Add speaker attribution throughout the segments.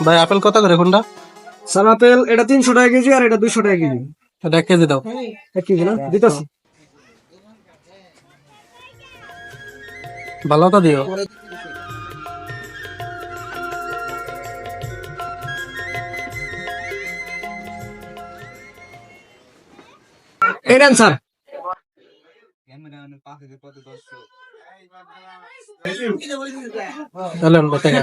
Speaker 1: ভাই আপেল কত করে কোনটা?
Speaker 2: স্যার আপেল এটা 300 টাকা কেজি আর এটা 200 টাকা কেজি।
Speaker 1: এটা 1 কেজি দাও।
Speaker 2: 1 কেজি না দিতেছি।
Speaker 1: ভালো তো দিও।
Speaker 2: এই নেন স্যার।
Speaker 1: চলেন টাকা।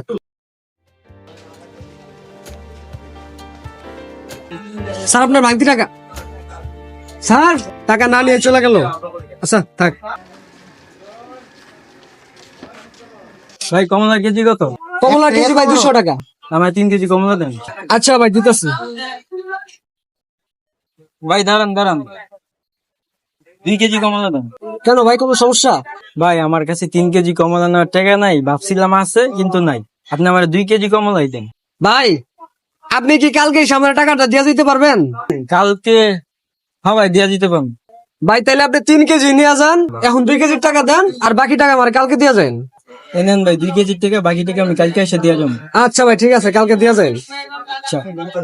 Speaker 2: স্যার আপনার ভাঙতি টাকা। স্যার টাকা না নিয়ে চলে গেল। আচ্ছা থাক।
Speaker 3: ভাই কমলা কেজি কত?
Speaker 2: কমলা কেজি ভাই 200 টাকা।
Speaker 3: আমার 3 কেজি কমলা দেন।
Speaker 2: আচ্ছা ভাই দিতেছি।
Speaker 3: ভাই দাঁড়ান 2 কেজি কমলা দেন।
Speaker 2: কেন ভাই কোনো সমস্যা?
Speaker 3: ভাই আমার কাছে 3 কেজি কমলা নেওয়ার টাকা নাই, ভাবছিলাম আছে কিন্তু নাই। আপনি আমার 2 কেজি কমলাই দেন।
Speaker 2: ভাই আপনি কি কালকে সামনে টাকাটা দিয়ে দিতে পারবেন?
Speaker 3: কালকে হ্যাঁ ভাই দিয়া দিতে পারেন।
Speaker 2: ভাই তাহলে আপনি 3 কেজি নিয়ে যান, এখন 2 কেজির টাকা দেন আর বাকি টাকা আমার কালকে দিয়ে যান।
Speaker 3: এনেন ভাই 2 কেজির টাকা, বাকি টাকা আমি কালকে এসে দিয়ে যাবো।
Speaker 2: আচ্ছা ভাই ঠিক আছে, কালকে দিয়ে যান।
Speaker 3: আচ্ছা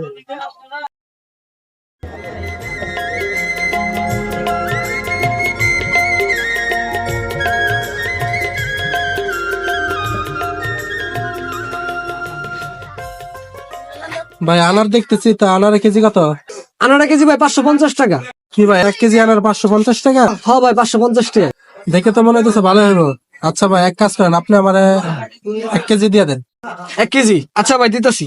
Speaker 1: ভাই আনার দেখতেছি, তা আনার কেজি কত?
Speaker 2: আনারা কেজি ভাই 550 টাকা।
Speaker 1: কি ভাই 1 কেজি আনার 550 টাকা?
Speaker 2: হ্যাঁ ভাই 550 টাকা।
Speaker 1: দেখে তো মনে হইতেছে ভালো হইব। আচ্ছা ভাই এক কাজ করেন, আপনি আমারে 1 কেজি দিয়ে দেন।
Speaker 2: 1 কেজি আচ্ছা ভাই দিতেছি।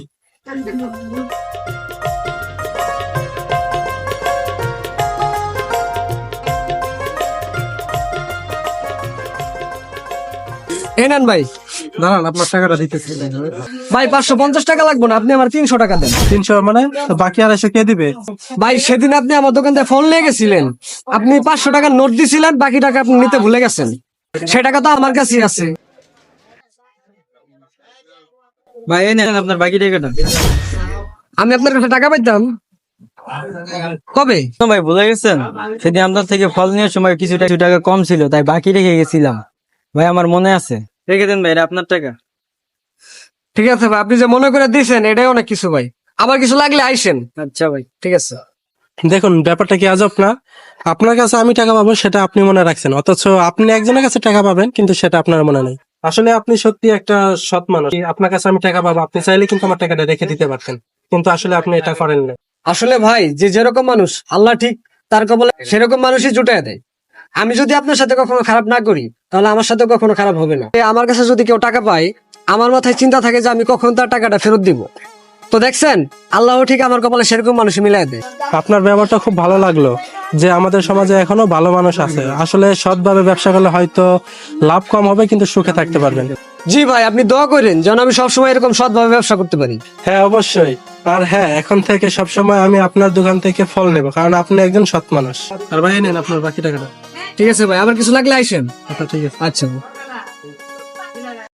Speaker 2: এই নেন ভাই।
Speaker 1: দাঁড়ান আপনার টাকাটা দিতেছি।
Speaker 2: ভাই 550 টাকা লাগবে না, আপনি আমার 300 টাকা দেন।
Speaker 1: 300 মানে? তো বাকি 250 কে দিবে?
Speaker 2: ভাই সেদিন আপনি আমার দোকান থেকে ফোন নিয়ে গেছিলেন, আপনি 500 টাকার নোট দিছিলেন, বাকি টাকা আপনি নিতে ভুলে গেছেন। সে টাকা তো আমার কাছেই আছে।
Speaker 3: ভাই এই নেন আপনার বাকি টাকাটা।
Speaker 2: আমি আপনার কাছে টাকা পাইতাম কবে?
Speaker 3: না ভাই ভুলে গেছেন, সেদিন আপনার থেকে ফল নেওয়ার সময় কিছু টাকা কম ছিল, তাই বাকি রেখে গেছিলাম। ভাই আমার মনে আছে, রেখে দেন ভাই, এটা আপনার টাকা।
Speaker 2: ঠিক আছে ভাই, আপনি যে মনে করে দিয়েছেন এটাই অনেক কিছু ভাই। আবার কিছু লাগলে আইসেন।
Speaker 3: আচ্ছা ভাই
Speaker 2: ঠিক আছে।
Speaker 1: দেখুন ব্যাপারটা কি আজব না? আপনার কাছে আমি টাকা পাবো সেটা আপনি মনে রাখছেন, অথচ আপনি একজনের কাছে টাকা পাবেন কিন্তু সেটা আপনার মনে নেই। আসলে আপনি সত্যি একটা সৎ মানুষ। আপনার কাছে আমি টাকা পাবো, আপনি চাইলে কিন্তু আমার টাকাটা রেখে দিতে পারতেন, কিন্তু আসলে আপনি এটা করেন না।
Speaker 2: আসলে ভাই যে যেরকম মানুষ আল্লাহ ঠিক তার কবলে সেরকম মানুষই জুটায় দেয়। আমি যদি আপনার সাথে কখনো খারাপ না করি তাহলে আমার সাথে কখনো খারাপ হবে না। আমার কাছে যদি কেউ টাকা পায়, আমার মাথায় চিন্তা থাকে যে আমি কখন তার টাকাটা ফেরত দিব। তো দেখছেন আল্লাহ ঠিক আমার কপালে সেরকম মানুষ মিলাই দেয়।
Speaker 1: আপনার ব্যবহারটা খুব ভালো লাগলো, যে আমাদের সমাজে এখনো ভালো মানুষ আছে। আসলে সৎভাবে ব্যবসা করলে হয়তো লাভ কম হবে কিন্তু সুখে থাকতে পারবেন।
Speaker 2: জি ভাই, আপনি দোয়া করেন যেন আমি সবসময় এরকম সৎভাবে ব্যবসা করতে পারি।
Speaker 1: হ্যাঁ অবশ্যই। আর হ্যাঁ, এখন থেকে সবসময় আমি আপনার দোকান থেকে ফল নেব, কারণ আপনি একজন সৎ মানুষ। আর ভাই নেন আপনার বাকি টাকাটা।
Speaker 2: ঠিক আছে ভাই, আবার কিছু লাগলে আইসেন।
Speaker 1: আচ্ছা ঠিক আছে।
Speaker 2: আচ্ছা।